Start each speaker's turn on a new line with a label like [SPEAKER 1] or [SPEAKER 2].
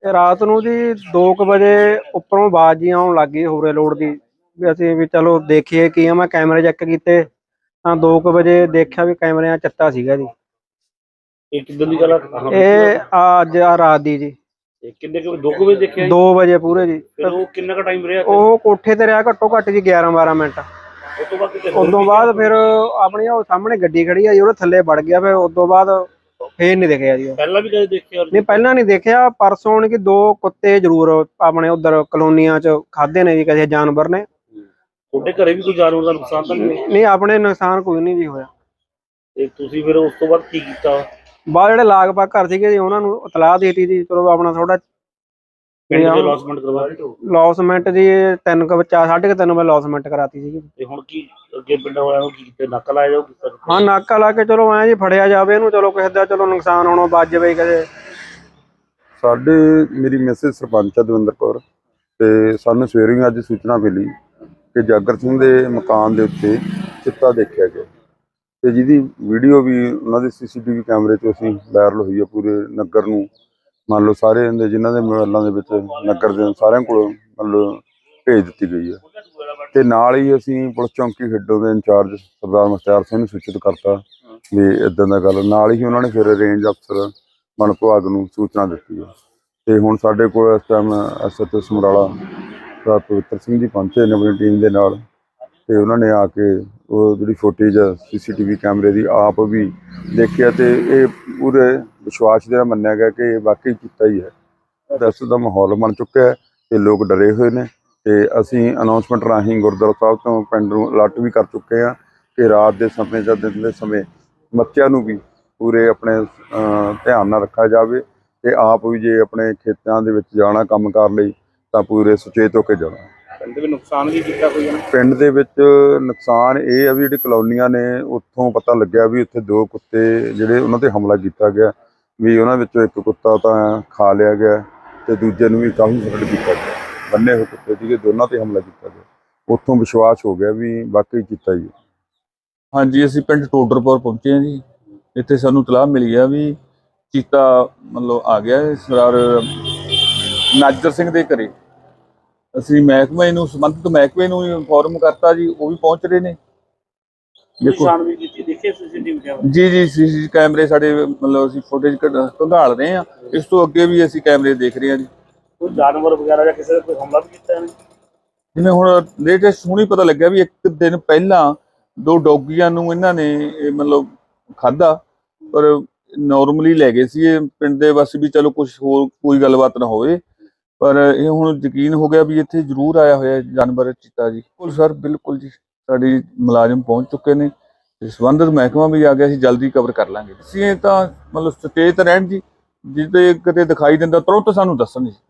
[SPEAKER 1] ਰਾਤ ਨੂੰ ਜੀ 2 ਵਜੇ ਉੱਪਰੋਂ ਆਵਾਜ਼ ਜੀ ਆਉਣ ਲੱਗ ਗਈ ਹੋਰੇ ਲੋਡ ਦੀ ਵੀ ਅਸੀਂ ਵੀ ਚਲੋ ਦੇਖੀਏ ਕੀ ਆ। ਮੈਂ ਕੈਮਰੇ ਚੈੱਕ ਕੀਤੇ ਤਾਂ 2 ਵਜੇ ਦੇਖਿਆ ਵੀ ਕੈਮਰਿਆਂ 'ਚ ਚੱਤਾ ਸੀਗਾ ਜੀ।
[SPEAKER 2] ਇਹ ਕਿੱਦਾਂ ਦੀ ਗੱਲ ਆ?
[SPEAKER 1] ਇਹ ਅੱਜ ਆ ਰਾਤ ਦੀ ਜੀ।
[SPEAKER 2] ਕਿੰਨੇ ਕੁ 2 ਵਜੇ ਦੇਖਿਆ ਜੀ?
[SPEAKER 1] 2 ਵਜੇ ਪੂਰੇ ਜੀ।
[SPEAKER 2] ਫਿਰ ਉਹ ਕਿੰਨਾ ਕੁ ਟਾਈਮ ਰਿਹਾ?
[SPEAKER 1] ਉਹ ਕੋਠੇ ਤੇ ਰਿਹਾ ਘੱਟੋ ਘੱਟ ਜੀ 11-12 ਮਿੰਟ। ਉਸ ਤੋਂ ਬਾਅਦ ਫਿਰ ਆਪਣੀ ਉਹ ਸਾਹਮਣੇ ਗੱਡੀ ਖੜੀ ਆ ਜੀ, ਉਹਦੇ ਥੱਲੇ ਵੜ ਗਿਆ। ਫਿਰ ਉਸ ਤੋਂ ਬਾਅਦ ਫੇਰ ਨਹੀਂ ਦਿਖਿਆ ਜੀ।
[SPEAKER 2] ਪਹਿਲਾਂ ਵੀ ਕਦੇ ਦੇਖਿਆ?
[SPEAKER 1] ਨਹੀਂ, ਪਹਿਲਾਂ ਨਹੀਂ ਦੇਖਿਆ। ਪਰਸੋਂ ਹੁਣ ਕਿ 2 ਕੁੱਤੇ ਜ਼ਰੂਰ ਆਪਣੇ ਉਧਰ ਕਲੋਨੀਆਂ 'ਚ ਖਾਦੇ ਨੇ ਜੀ ਕਿਸੇ ਜਾਨਵਰ ਨੇ।
[SPEAKER 2] ਤੁਹਾਡੇ ਘਰੇ ਵੀ ਕੋਈ ਜਾਨਵਰ ਦਾ ਨੁਕਸਾਨ ਤਾਂ ਨਹੀਂ?
[SPEAKER 1] ਨਹੀਂ, ਆਪਣੇ ਨੁਕਸਾਨ ਕੋਈ ਨਹੀਂ ਜੀ ਹੋਇਆ।
[SPEAKER 2] ਤੇ ਤੁਸੀਂ ਫਿਰ ਉਸ ਤੋਂ ਬਾਅਦ ਕੀ ਕੀਤਾ?
[SPEAKER 1] ਬਾਅਦ ਜਿਹੜੇ ਲਾਗ-ਬਾਗ ਘਰ ਸੀਗੇ ਜੀ ਉਹਨਾਂ ਨੂੰ ਇਤਲਾਹ ਦੇ ਦਿੱਤੀ ਜੀ। ਚਲੋ ਆਪਣਾ ਥੋੜਾ
[SPEAKER 2] ਲੌਸਮੈਂਟ ਕਰਵਾ
[SPEAKER 1] ਲੌਸਮੈਂਟ ਜੀ 3 ਵਜੇ 3:30 ਵਜੇ ਲੌਸਮੈਂਟ ਕਰਾਤੀ ਸੀਗੀ।
[SPEAKER 2] ਤੇ ਹੁਣ ਕੀ ਅੱਗੇ ਪਿੰਡਾਂ ਵਾਲਿਆਂ ਨੂੰ ਕੀ ਕੀਤਾ? ਨਾਕਾ ਲਾਇਆ ਜਾਊ?
[SPEAKER 1] ਹਾਂ, ਨਾਕਾ ਲਾ ਕੇ ਚਲੋ ਐਂ ਜੀ ਫੜਿਆ ਜਾਵੇ ਇਹਨੂੰ। ਚਲੋ ਕਿਸੇ ਦਾ ਚਲੋ ਨੁਕਸਾਨ ਹੋਣੋਂ ਬਚ ਜਾਵੇ ਕਦੇ।
[SPEAKER 3] ਸਾਡੇ ਮੇਰੀ ਮੈਸੇਜ ਸਰਪੰਚ ਦਵਿੰਦਰ ਕੌਰ ਤੇ ਸਾਨੂੰ ਸਵੇਰੇ ਅੱਜ ਸੂਚਨਾ ਮਿਲੀ ਕਿ ਜਾਗਰ ਸਿੰਘ ਦੇ ਮਕਾਨ ਦੇ ਉੱਤੇ ਚਿੱਤਾ ਦੇਖਿਆ ਗਿਆ ਤੇ ਜਿਹਦੀ ਵੀਡੀਓ ਵੀ ਉਹਨਾਂ ਦੇ CCTV ਕੈਮਰੇ 'ਚ ਅਸੀਂ ਵਾਇਰਲ ਹੋਈ ਹੈ। ਪੂਰੇ ਨਗਰ ਨੂੰ ਮੰਨ ਲਓ ਸਾਰੇ ਜਿਨ੍ਹਾਂ ਦੇ ਮੋਬਾਈਲਾਂ ਦੇ ਵਿੱਚ ਨਗਰ ਦੇ ਸਾਰਿਆਂ ਕੋਲ ਮੰਨ ਲਓ ਭੇਜ ਦਿੱਤੀ ਗਈ ਹੈ। ਤੇ ਨਾਲ ਹੀ ਅਸੀਂ ਪੁਲਿਸ ਚੌਂਕੀ ਖੇਡੋ ਦੇ ਇੰਚਾਰਜ ਸਰਦਾਰ ਮੁਖਤਿਆਰ ਸਿੰਘ ਨੂੰ ਸੂਚਿਤ ਕਰਤਾ ਵੀ ਇੱਦਾਂ ਦਾ ਗੱਲ। ਨਾਲ ਹੀ ਉਹਨਾਂ ਨੇ ਫਿਰ ਰੇਂਜ ਅਫਸਰ ਵਣ ਵਿਭਾਗ ਨੂੰ ਸੂਚਨਾ ਦਿੱਤੀ ਹੈ। ਤੇ ਹੁਣ ਸਾਡੇ ਕੋਲ ਇਸ ਟਾਈਮ SHO ਸਮਰਾਲਾ ਸਰਦਾਰ ਪਵਿੱਤਰ ਸਿੰਘ ਜੀ ਪਹੁੰਚੇ ਨੇ ਆਪਣੀ ਟੀਮ ਦੇ ਨਾਲ। ਤੇ ਉਹਨਾਂ ਨੇ ਆ ਕੇ ਉਹ ਜਿਹੜੀ ਫੁਟੇਜ CCTV ਕੈਮਰੇ ਦੀ ਆਪ ਵੀ ਦੇਖਿਆ ਤੇ ਇਹ ਪੂਰੇ ਵਿਸ਼ਵਾਸ ਦੇ ਨਾਲ ਮੰਨਿਆ ਗਿਆ ਕਿ ਇਹ ਵਾਕਈ ਕੀਤਾ ਹੀ ਹੈ। ਦਹਿਸ਼ਤ ਦਾ ਮਾਹੌਲ ਬਣ ਚੁੱਕਿਆ ਹੈ ਤੇ ਲੋਕ ਡਰੇ ਹੋਏ ਨੇ। ਤੇ ਅਸੀਂ ਅਨਾਉਂਸਮੈਂਟ ਰਾਹੀਂ ਗੁਰਦੁਆਰਾ ਸਾਹਿਬ ਤੋਂ ਪਿੰਡ ਨੂੰ ਅਲਰਟ ਵੀ ਕਰ ਚੁੱਕੇ ਹਾਂ ਕਿ ਰਾਤ ਦੇ ਸਮੇਂ ਜਾਂ ਦਿਨ ਦੇ ਸਮੇਂ ਬੱਚਿਆਂ ਨੂੰ ਵੀ ਪੂਰੇ ਆਪਣੇ ਧਿਆਨ ਨਾਲ ਰੱਖਿਆ ਜਾਵੇ ਤੇ ਆਪ ਵੀ ਜੇ ਆਪਣੇ ਖੇਤਾਂ ਦੇ ਵਿੱਚ ਜਾਣਾ ਕੰਮ ਕਾਰ ਲਈ ਤਾਂ ਪੂਰੇ ਸੁਚੇਤ ਹੋ ਕੇ ਜਾਣਾ।
[SPEAKER 2] ਪਿੰਡ ਦੇ ਨੁਕਸਾਨ ਵੀ ਕੀਤਾ ਕੋਈ?
[SPEAKER 3] ਪਿੰਡ ਦੇ ਵਿੱਚ ਨੁਕਸਾਨ ਇਹ ਆ ਵੀ ਜਿਹੜੀ ਕਲੋਨੀਆਂ ਨੇ ਉੱਥੋਂ ਪਤਾ ਲੱਗਿਆ ਵੀ ਉੱਥੇ 2 ਕੁੱਤੇ ਜਿਹੜੇ ਉਹਨਾਂ ਤੇ ਹਮਲਾ ਕੀਤਾ ਗਿਆ ਵੀ ਉਹਨਾਂ ਵਿੱਚੋਂ ਇੱਕ ਕੁੱਤਾ ਤਾਂ ਖਾ ਲਿਆ ਗਿਆ ਤੇ ਦੂਜੇ ਨੂੰ ਵੀ ਕਾਫੀ ਫਰਕ ਕੀਤਾ ਗਿਆ। ਬੰਨੇ ਹੋਏ ਕੁੱਤੇ ਸੀਗੇ, ਦੋਨਾਂ ਤੇ ਹਮਲਾ ਕੀਤਾ ਗਿਆ। ਉੱਥੋਂ ਵਿਸ਼ਵਾਸ ਹੋ ਗਿਆ ਵੀ ਵਾਕਈ ਕੀਤਾ ਹੀ ਹੈ।
[SPEAKER 4] ਹਾਂਜੀ, ਅਸੀਂ ਪਿੰਡ ਟੋਡਰਪੁਰ ਪਹੁੰਚੇ ਹਾਂ ਜੀ। ਇੱਥੇ ਸਾਨੂੰ ਇਤਲਾਹ ਮਿਲੀ ਆ ਵੀ ਚੀਤਾ ਮਤਲਬ ਆ ਗਿਆ ਸਰਦਾਰ ਨਾਜਰ ਸਿੰਘ ਦੇ ਘਰੇ। ਅਸੀਂ ਮਹਿਕਮੇ ਨੂੰ ਸੰਬੰਧਿਤ ਮਹਿਕਮੇ ਨੂੰ ਇਨਫੋਰਮ ਕਰਤਾ ਜੀ, ਉਹ ਵੀ ਪਹੁੰਚ ਰਹੇ ਨੇ। ਜੀ ਕੈਮਰੇ ਸਾਡੇ ਮਤਲਬ ਅਸੀਂ ਫੁਟੇਜ ਖੰਗਾਲ ਰਹੇ ਹਾਂ। ਇਸ ਤੋਂ ਅੱਗੇ ਵੀ ਅਸੀਂ ਕੈਮਰੇ ਦੇਖ ਰਹੇ ਹਾਂ ਜੀ।
[SPEAKER 2] ਕੋਈ ਜਾਨਵਰ ਵਗੈਰਾ ਜਾਂ ਕਿਸੇ ਦਾ ਕੋਈ ਹਮਲਾ ਵੀ ਕੀਤਾ ਇਹਨੇ?
[SPEAKER 4] ਜਿਵੇਂ ਹੁਣ ਲੇਟੈਸਟ ਹੁਣੀ ਪਤਾ ਲੱਗਿਆ ਵੀ 1 ਦਿਨ ਪਹਿਲਾਂ 2 ਡੌਗੀਆਂ ਨੂੰ ਇਹਨਾਂ ਨੇ ਮਤਲਬ ਖਾਧਾ, ਪਰ ਨੋਰਮਲੀ ਲੈ ਗਏ ਸੀ ਇਹ ਪਿੰਡ ਦੇ ਬਸ ਵੀ ਚਲੋ ਕੁਝ ਹੋਰ ਕੋਈ ਗੱਲਬਾਤ ਨਾ ਹੋਵੇ। ਪਰ ਇਹ ਹੁਣ ਯਕੀਨ ਹੋ ਗਿਆ ਵੀ ਇੱਥੇ ਜ਼ਰੂਰ ਆਇਆ ਹੋਇਆ ਜਾਨਵਰ ਚੀਤਾ ਜੀ। ਬਿਲਕੁਲ ਸਰ, ਬਿਲਕੁਲ ਜੀ। ਸਾਡੀ ਮੁਲਾਜ਼ਮ ਪਹੁੰਚ ਚੁੱਕੇ ਨੇ ਤੇ ਸੰਬੰਧਿਤ ਮਹਿਕਮਾ ਵੀ ਆ ਗਿਆ। ਅਸੀਂ ਜਲਦੀ ਕਵਰ ਕਰ ਲਾਂਗੇ। ਅਸੀਂ ਤਾਂ ਮਤਲਬ ਸੁਚੇਤ ਰਹਿਣ ਜੀ, ਜਿੱਤੇ ਕਿਤੇ ਦਿਖਾਈ ਦਿੰਦਾ ਤੁਰੰਤ ਸਾਨੂੰ ਦੱਸਣ ਜੀ।